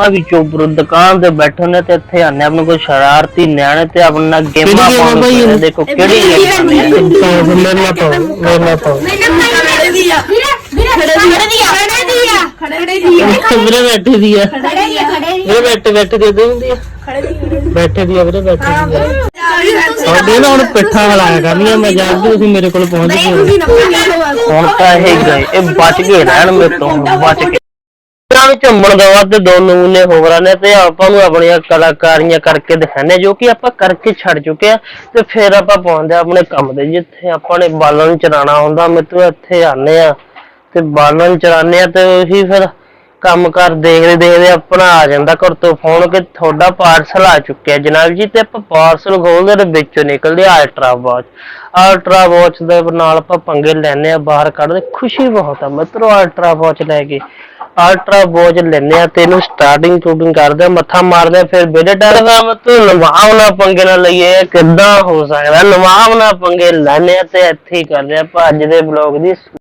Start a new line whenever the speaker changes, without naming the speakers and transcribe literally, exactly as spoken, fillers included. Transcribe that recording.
ਵਿੱਚੋਂ ਦੁਕਾਨ ਤੇ ਬੈਠੇ ਨੇ ਤੇ ਇੱਥੇ ਆਨੇ ਆਪਣੇ ਕੋਈ ਸ਼ਰਾਰਤੀ ਨਿਆਣੇ ਤੇ ਆਪਣਾ ਗੇਮਾਂ ਪਾਉਣ। ਦੇਖੋ ਕਿਹੜੀ ਗੇਮ
ਮੇਰੇ ਨਾਲ ਪਾਓ ਮੇਰੇ ਨਾਲ ਪਾਓ
ਖੜੇ ਦੀ ਆ ਖੜੇ ਦੀ ਆ ਖੜੇ ਦੀ ਆ ਖੜੇ ਦੀ ਆ
ਵੀਰੇ ਬੈਠੇ ਦੀ ਆ
ਖੜੇ ਦੀ ਆ ਖੜੇ ਦੀ
ਵੀਰੇ ਬੈਠੇ ਬੈਠੇ ਦੇ ਦੇ ਹੁੰਦੀ ਆ ਬੈਠੇ ਦੀ ਆ ਵੀਰੇ ਬੈਠੇ ਦੀ ਆ ਤੁਹਾਡੇ ਨਾ ਹੁਣ ਪਿੱਠਾ ਹਲਾਇਆ ਕਰਨੀਆਂ ਮੈਂ ਜਾਣਦੀ ਤੁਸੀਂ ਮੇਰੇ ਕੋਲ ਪਹੁੰਚ ਗਏ
ਹੁਣ ਤਾਂ ਇਹ ਗਏ ਇਹ ਬਚ ਗਏ ਰਹਿਣ ਮੇਰੇ ਤੋਂ ਬਚ ਗਏ ਇਹਨਾਂ ਵਿੱਚ ਝੰਮਣ ਦਾ ਵੱਧ ਦੋ ਨਮੂਨੇ ਹੋਰ ਨੇ ਤੇ ਆਪਾਂ ਨੂੰ ਆਪਣੀਆਂ ਕਲਾਕਾਰੀਆਂ ਕਰਕੇ ਦਿਖਾਣੇ ਜੋ ਕਿ ਆਪਾਂ ਕਰਕੇ ਛੱਡ ਚੁੱਕੇ ਆ ਤੇ ਫਿਰ ਆਪਾਂ ਪਹੁੰਚਦੇ ਆਪਣੇ ਕੰਮ ਦੇ ਜਿੱਥੇ ਆਪਾਂ ਨੇ ਬਾਲਣ ਚਲਾਉਣਾ ਹੁੰਦਾ ਮਿੱਤਰੋ ਇੱਥੇ ਆਨੇ ਆ ਤੇ ਬਾਲਣ ਚਲਾਉਂਦੇ ਆ ਤੇ ਉਹੀ ਫਿਰ ਕੰਮ ਕਰ ਦੇਖਦੇ ਦੇਖਦੇ ਆਪਣਾ ਆ ਜਾਂਦਾ ਘਰ ਤੋਂ ਫੋਨ ਕਿ ਤੁਹਾਡਾ ਪਾਰਸਲ ਆ ਚੁੱਕਿਆ ਜਨਾਬ ਜੀ ਤੇ ਆਪਾਂ ਪਾਰਸਲ ਖੋਲਦੇ ਤੇ ਵਿੱਚੋਂ ਨਿਕਲਦੇ ਅਲਟਰਾ ਵਾਚ ਅਲਟਰਾ ਵਾਚ ਦੇ ਨਾਲ ਆਪਾਂ ਪੰਗੇ ਲੈਣੇ ਆ ਬਾਹਰ ਕੱਢਦੇ ਖੁਸ਼ੀ ਬਹੁਤ ਆ ਮਿੱਤਰੋ ਅਲਟਰਾ ਵਾਚ ਲੈ ਕੇ ਅਲਟਰਾ ਵਾਚ ਲੈਣੇ ਆ ਤੇ ਇਹਨੂੰ ਸਟਾਰਟਿੰਗ ਟੂਟਿੰਗ ਕਰਦੇ ਮੱਥਾ ਮਾਰਦੇ ਫਿਰ ਬੇੜੇ ਡਰਦਾ ਮਤਲਬ ਨਵਾਉਣਾ ਪੰਗੇ ਨਾਲ ਲਈਏ ਕਿੱਦਾਂ ਹੋ ਸਕਦਾ ਨਵਾਉਣਾ ਪੰਗੇ ਲੈਣੇ ਤੇ ਇੱਥੇ ਹੀ ਕਰਦੇ ਆਪਾਂ ਅੱਜ ਦੇ ਬਲੌਗ ਦੀ